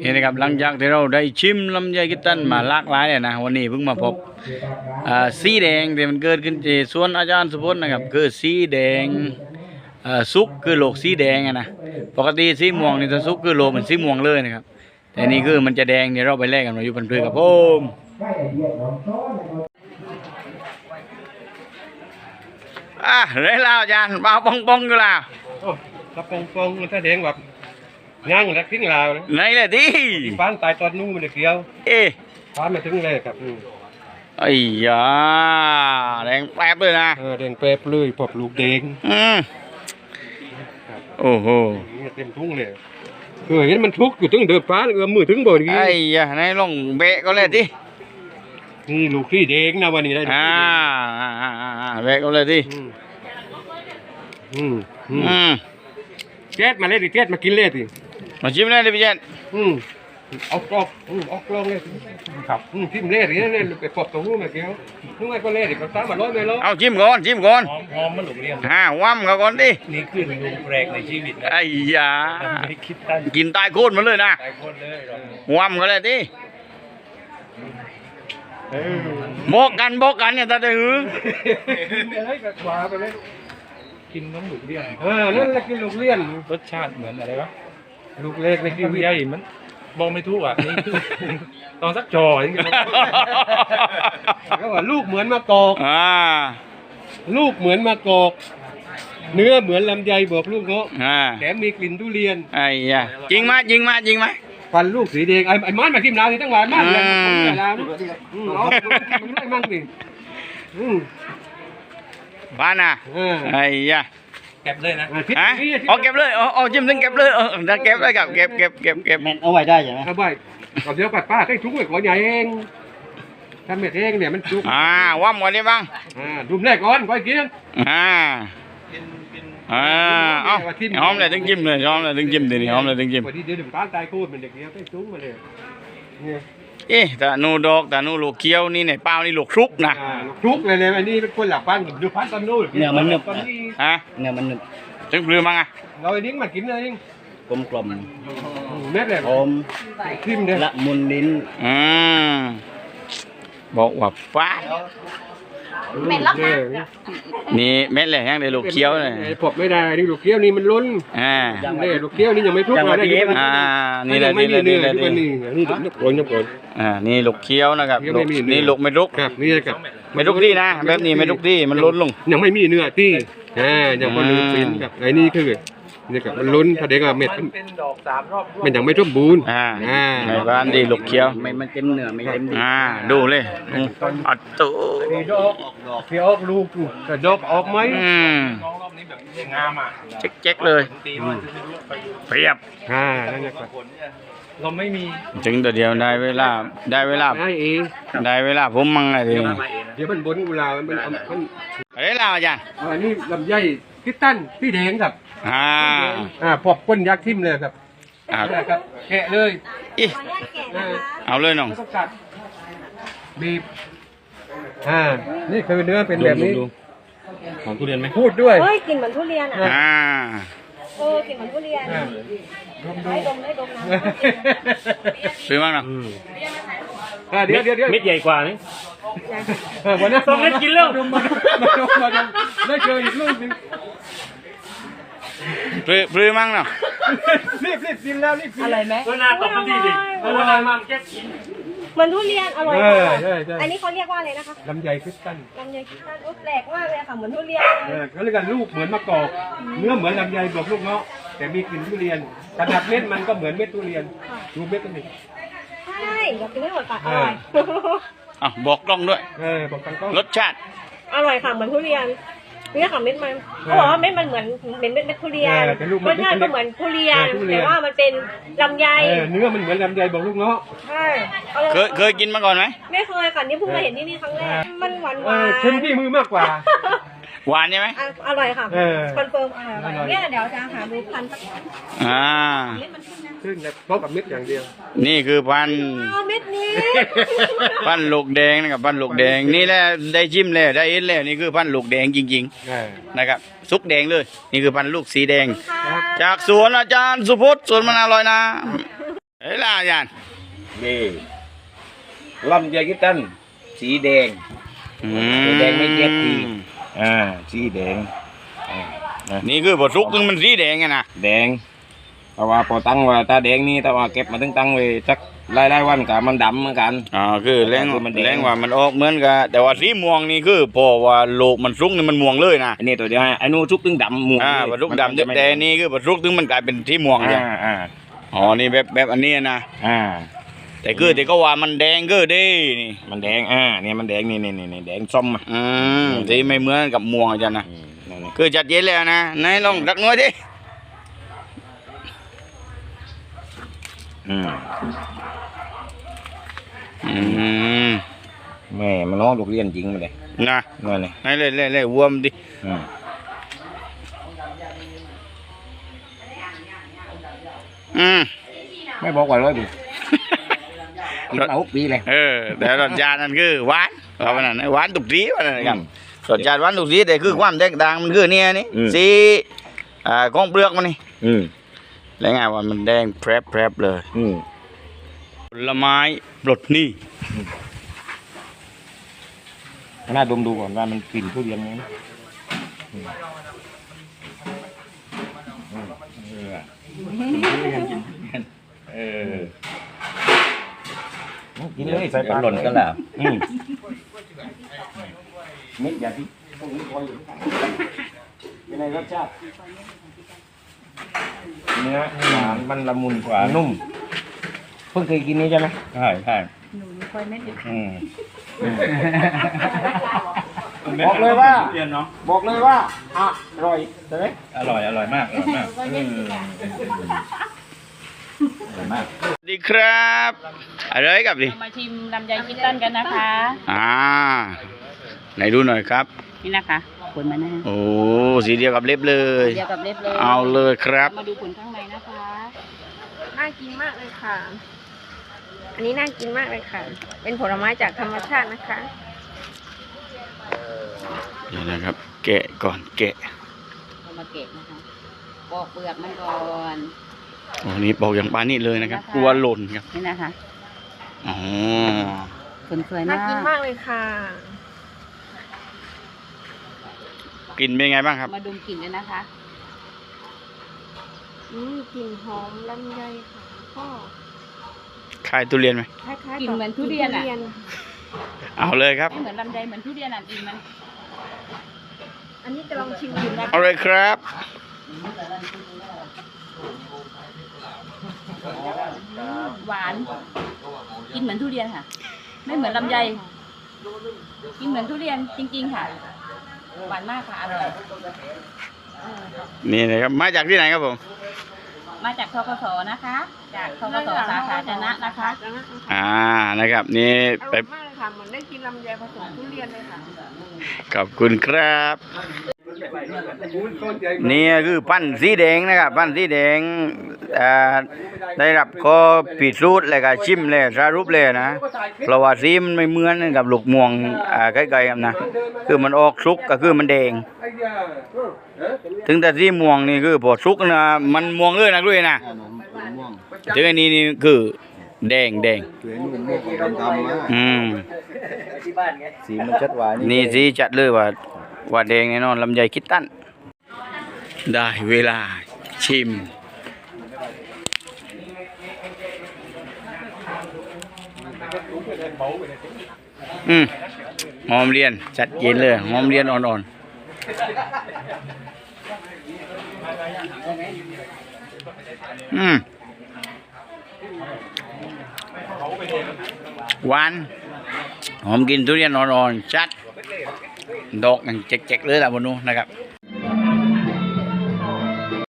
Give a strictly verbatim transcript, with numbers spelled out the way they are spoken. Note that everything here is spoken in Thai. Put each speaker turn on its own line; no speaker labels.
นี่นะครับหลังจากที่เราได้ชิมลำไยกิตันมาหลากหลายเลยนะวันนี้เพิ่งมาพบอ่าสีแดงที่มันเกิดขึ้นที่สวนอาจารย์สุพจน์นะครับคือสีแดงอ่าสุกคือโลกสีแดงนะปกติสีม่วงนี่ถ้าสุกคือโลกมันสีม่วงเลยนะครับแต่นี่คือมันจะแดงเดี๋ยวเราไปแลกกันมาอยู่บนพื้นครับผมอ่ะเรื่อยแล้วอาจารย์มาปองปองอยู่แล้ว
กระปองปองมันแสดงแบบย่างแล้วทิ้งลาวนะ
ไหนเลยดิ
ฟ้านตายตอนนู้นมันเกี่ยว
เอ๊ะ
ฟ้านมาถึงเลยครับ
ไอ้ยาแดงแป๊บเลยนะ
เออแดงเป๊บเลยปอบลูกแดง
อืมโอ้โห
นี่เต็มทุ่งเลยคือเห็นมันทุกข์อยู่ถึงเดือดฟ้าเอื้อมมือถึงบ่อนี้
ไอ้ยาไหนลองเบะก็เลยดิ
นี่ลูกที่แดงนะวันนี้ได้
อ่าอ่าอ่าอ่าเบะก็เลยดิ
อืมอืมอืม
อืม
แก๊สมาเลยดิแก๊สมากินเลยดิ
มาชิมเลยดิพี่เจน
อืมเอากรอบอืมเอากรอบเลยครับอืมทิมเล่ดิเนี่ยไปปอบตรงนู้นมาเกี่ยวนู้นไงก็เล่ดิก็ตามมาร้อยไม่ร้อย
เอาชิมก่อนชิมก่อน
หอมหอมมันหลุมเรียน
ฮ่าว่ำเขาก่อนดิ
นี่คือลุงแปลกในชีวิตนะ
ไอ้ยา
ไม่คิดตั้ง
กินตายโคตรมันเลยนะ
หลายคนเลยเรา
ว่ำเขาเลยดิโบกกันโบกกันเนี่ยตาเดือ
เลยกับขวาไปเลย
กินน้ำหลุมเรียน
เออนั่นแหละกินลูกเลี้ยน
รสชาติเหมือนอะไรวะ
ลูกเล็กในชีวิต
ลำไยมันบอกไม่ถูกอ่ะนี่คือตอนสักจออย่างเงี้ย
ก็ว่าลูกเหมือนมะกอก
อ่า
ลูกเหมือนมะกอก เนื้อเหมือนลำไยบอกลูกเงาะ
อ่า
แถมมีกลิ่นทุเรียน
ไอ้ยาจริงไหมจริงไหมจริงไหม
ฟันลูกสีแดงไอ้ไอ้มันมาทิ่มลาวนี่ตั้งหลายมันเลย
อืม
มันลาวนี่อืมเอามันได้มั่งสิอืม
บ้านน่ะ
เออ
ไอ้ยา
เก็บเลยนะ
อ่ะทิศ
ฮะ
นี้ทิศ
เอาเก็บเลยเอาเอาจิ้มถึงเก็บเลยเออจะเก็บเลยครับเก็บเก็บเก็บเก็บ
เอาไว้ได้ใช่ไหม
เอาไปเอาเดี๋ยวปัดป้าให้ทุกข์ไว้ก่อนใหญ่เองทำเม็ดเองเนี่ยมันจุก
อ่าว่ำก่อนดิบ้าง
อ่าดุมแรกก่อนก่อนกิน
อ่าอ่าเอาหอมเลยถึงจิ้มเลยหอมเลยถึงจิ้มดิหอมเลยถึงจิ้ม
วันที่เดี๋ยวถึงป้าตายโคตรมันเด็กเนี้ยไปจุกมาเลยเนี่ย
เอ๊ะแต่นูดอกแต่นูลูกเคี้ยวนี่เนี่ยเปล่านี่ลูกครุกนะ
อ่าทุกเลยเลยอันนี้เป็นคนหลับปั้นดูพันตอนนู้น
เนื้อมันหนึบ
ตอนนี้
ฮะ
เนื้อมันหนึบ
ถึงปลือมั้งอ่ะ
เราไอ้นิ้งมากินเลยนิ้ง
กลมกล่อม
เม็ดเลย
หอม
ทิมเลย
ละมุนลิ้น
อืมบอกว่าฟ้า
เป็นลักษณะ
นี่เม็ดเลยยังได้ลูกเคี้ยวเลย
ปบไม่ได้นี่ลูกเกี้ยวนี่มันล้น
อ่า
นี่ลูกเกี้ยวนี่ยังไม่ทุกเลยนี่มัน
อ่านี่แหละ
ไม่
นี่
มี
แหละ
เนื้
นี่
อ
แหละ
ที่
นี่
มันนี่นี่โกนโกน
อ่านี่ลูกเคี้ยวนะครับ
เคี้ยวไม่มีเนื้อ
นี่ลูกไม่ลุก
ครับนี่ครับ
ไม่ลุกที่นะแบบนี้ไม่ลุกที่มันล้นลง
ยังไม่มีเนื้อที่อ่ายังพอลืมเป็นกับไอ้นี่คือนี่กับมันล้นแสดงว่าเม็ด
มันเป็นดอกสามรอบ
มันยังไม่สมบูรณ์
อ่า
อ่า
ในบ้านดีลูกเคี้ยว
ไม่มันเต็มเนื้อไม่เต็มดี
อ่าดูเลยอืมอัดตู้
ที่ดอกเที่ยวออกลูกกระดอกออกไหม
อืม
น้องรอบนี้แบบงามอ่ะ
เจ๊กๆเลย
ตีมันจะไม่รู้ไป
เปรียบ
อ่านั่นแหละครับ
ผลเนี่ยเราไม่มี
ถึงตัวเดียวได้เวลาได้เวลา
ได้เอง
ได้เวลาผมมั่งไงที
มาเองนะ
เดี๋ยวมันบนกุหลาบมันมันมัน
อะไรล่ะอาจารย์
อันนี้ลำไยพิตันพี่แดงครับ
อ่า
อ่าพอบก้นยักษ์ทิ่มเลยครับ
อ่า
นี่แหละครับแกะเลย
อิ
ขออนุญาตแกะนะคะ
เอาเลยน้อง
ไม่ต้องกัดบีบอ่านี่คือเนื้อเป็นแบบนี้
ของทุเรียนไหม
พูดด้วย
เฮ้ยกลิ่นเหมือนทุเรียนอ่ะ
อ่า
เออกลิ่นเหมือนทุเรียน
อ่า
ได้ดมได้ดมนะ
ซื้อมั้งน้อง
อ่าเดี๋ยวเดี๋ยวเดี๋ยว
เม็ดใหญ่กว่านี่
เออวันนั้น
สองเม็ดกินแล้ว
มาดมมามาดมมาดมได้เจออีกลูกหนึง
ปลือปลือมั้งน้อง
รีบรีบกินแล้วรีบกิน
อะไรไหม
ก็น่าตอบมันดีดิเอออะไรมันแค่กิน
เหมือนทุเรียนอร่อย
เอ
มา
อก ใช่ใช่
อันนี้เขาเรียกว่าอะไรนะคะ
ลำไยคริสตัล
ลำไยคิดตันโอ้แปลกมากเลยค่ะเหมือนทุเรียน
เออเขาเรียกกันลูกเหมือนมะกอกเนื้อเหมือนลำไยบอกลูกเงาะแต่มีกลิ่นทุเรียนขนาดเม็ดมันก็เหมือนเม็ดทุเรียนดูเม็ดกันดิ
ใช่อยากกินไม่หมดปากอร่อย
อ่ะบอกกล้องด้วย
เออบอกตังก็
รสชาติ
อร่อยค่ะเหมือนทุเรียนนี่ค่ะเม็ดมันเขาบอกว่าเม็ดมันเหมือนเหมือนเม็ดเม็ดทุเรียนรสชาติก็เหมือนทุเรียนแต่ว่ามันเป็นลำไย
เออเนื้อมันเหมือนลำไยบอกลูกเงาะ
ใช่อร่อย
เคยเคยกินมาก่อนไหม
ไม่เคยค่ะนี่เพิ่งมาเห็นที่นี่ครั้งแรกมันหวานห
เอ
วา
อน เค็มที่มือมากกว่า
หวานใช่ไหม
อ่ะอร่อยค่ะ
เออ
คอนเฟิร์มอร่อย
อร่อย
เนี่ยเดี๋ยวจะหาดูพันธุ์สัก
อ่า
เม็ดมันขึ้นนะ
ขึ้นแล้วเพราะกับเม็ดอย่างเดียว
นี่คือพันธุ์
เอาเม็ดนี้
พันธุ์ลูกแดงนะครับพันธุ์ลูกแดงนี่แหละได้จิ้มแล้วได้เอ็นแล้วนี่คือพันธุ์ลูกแดงจริง
เออ
ๆนะครับสุกแดงเลย นี่คือพันธุ์ลูกสีแดง
ค่ะ
จากสวนอาจารย์สุพจน์สวนมะนาวลอยน้ำเฮ้ยล่ะอาจารย์
นี่ลำไยกิตันสีแดง
อื
แดงไม่เจ็บที อ่าสีแดงอ่านะ
นี่คือบ่สุกถึงมันสีแดงไงนะ
แดงแต่ว่าพอตั้งว่าตาแดงนี่แต่ว่าเก็บมาตั้งตั้งไว้สักหลายๆวันกับมันดำเหมือนกัน
อ่าคือแรง
คือมันแดง
แรงว่ามันออกเหมือนกันแต่ว่าสีม่วงนี่คือพอว่าโลกมันสุกนี่มันม่วงเลยนะ
อันนี้ตัวเดียวให้ไอ้นู้นชุกตึงดำม่วง
อ่าบ่สุกดำแต่นี่คือบ่สุกถึงมันกลายเป็นสีม่วงเลย
อ่าอ่า
อ๋อนี่แบบแบบอันนี้นะ
อ่า
แต่คือแต่ก็ว่ามันแดงก็เด้นี่
มันแดงอ่าเนี่ยมันแดงนี่นี่นี่แดงส้มอ่ะ
อืมสีไม่เหมือนกับม่วงอาจารย์นะ
อืมนั่นนี่
คือจัดเย็นแล้วนะไหนลองรักน้อยดิ
อืม
อืม
แม่มันน้องลูกเรียนจริงมาเลย
นะ
นั่นนี่
ไหนเลยเลยเลยวัวมนดิ
อืม
อืม
ไม่บอกว่าร้อยปีกินมาหกปีเลย
เออแต่รสชาตินั่นคือหวานว่ามันนั่นหวานตุกสีว่านั่นครับรสชาติหวานตุกสีแต่คือความแตกต่างมันคือเนี่ยนี่สีอ่าของเปลือกมันนี่
อืม
แล้วไงว่ามันแดงแพรบแพรบเลย
อืม
ผลไม้ปลดหนี้
น่าดมดูก่อนว่ามันกลิ่นทุเรียนไหมอืมอืมเออกินเลยใส่ปลา
หล่นก็แล้ว
อืมเม็ดอย่างที่พวกนี้คอยอยู่เป็นไงรสชาติเนื้อหวานมันละมุนกว่านุ่ม เพิ่งเคยกินนี้ใช่ไหม
ใช่ใช่
อืมบอกเลยว่า
เรียนเนาะ
บอกเลยว่าอร่อยใช่ไหม
อร่อยอร่อยมากอร่อยมากอืมอร่อยมาก
สวัสดีครับอะไรกับดิ
มาชิมลำไยคิดตันกันนะคะ
อ่าไหนดูหน่อยครับ
นี่นะคะผลมันนะ
โอ้สีเดียวกับเล็บเลย
เดียวกับเล็บเลย
เอาเลยครับ
มาดูผลข้างในนะคะ
น่ากินมากเลยค่ะ อันนี้น่ากินมากเลยค่ะ เป็นผลไม้จากธรรมชาตินะคะ
เดี๋ยวนะครับ แกะก่อนแกะ
เรามาเก็บนะคะปอกเปลือกมันก่อน
โอ้นี่บอกอย่างปานนี่เลยนะครับ
นะคะ
กลัวหล่นครับ
นี่นะคะ
อ๋อ
ผลสวย
น่าม
าก
กินมากเลยค่ะ
กลิ่นเป็นไงบ้างครับ
มาดมกลิ่นกันนะคะ
อืมกลิ่นหอมลำไยค่ะก็
คล้ายทุเรียนไหม
คล้ายๆ
กลิ่นเหมือนทุเรียนอะ
เอาเลยครับ
ไม่เหมือนลำไยเหมือนทุเรียนอ่ะกลิ่นมัน
อันนี้จะลองชิมดูนะ
เอาเลยครับ
หวานกินเหมือนทุเรียนค่ะ ไม่เหมือนลำไยกินเหมือนทุเรียนจริงๆค่ะ หวานมากค่ะอร่อย
นี่นะครับ มาจากที่ไหนครับผม
มาจากทกสนะคะ จากทกสสาขาชนะนะคะ
อ่า นะครับ นี่
อ
ไป
ร่อยมากเลยค่ะ เหมือนได้กินลำไยผสมทุเรียนเลยค่ะ
ขอบคุณครับ นี่คือปั้นสีแดงนะครับ ปั้นสีแดงอ่าได้รับก็ผิดสูตรเลยก็ชิมเลยสรุปเลยนะ เพราะว่าสีมันไม่เหมือนกับลูกม่วงอ่าใกล้ๆกันนะ คือมันออกสุกก็คือมันแดง ถึงแต่สีม่วงนี่คือพอสุกนะมันม่วงเลยนะด้วยนะถึงอันนี้นี่คือแดงแดงอืม
สีมันชัดหวาน
นี่สีจัดเลยว่าว่าแดงแน่นอนลำไยคิดตั้นได้เวลาชิมอืมหอมเรียนจัดเย็นเลยหอมเรียนอ่อนๆอืมหวานหอมกินทุเรียนอ่อนๆชัดดอกอย่างเจ๊กๆเลยล่ะบนนู้นนะครับ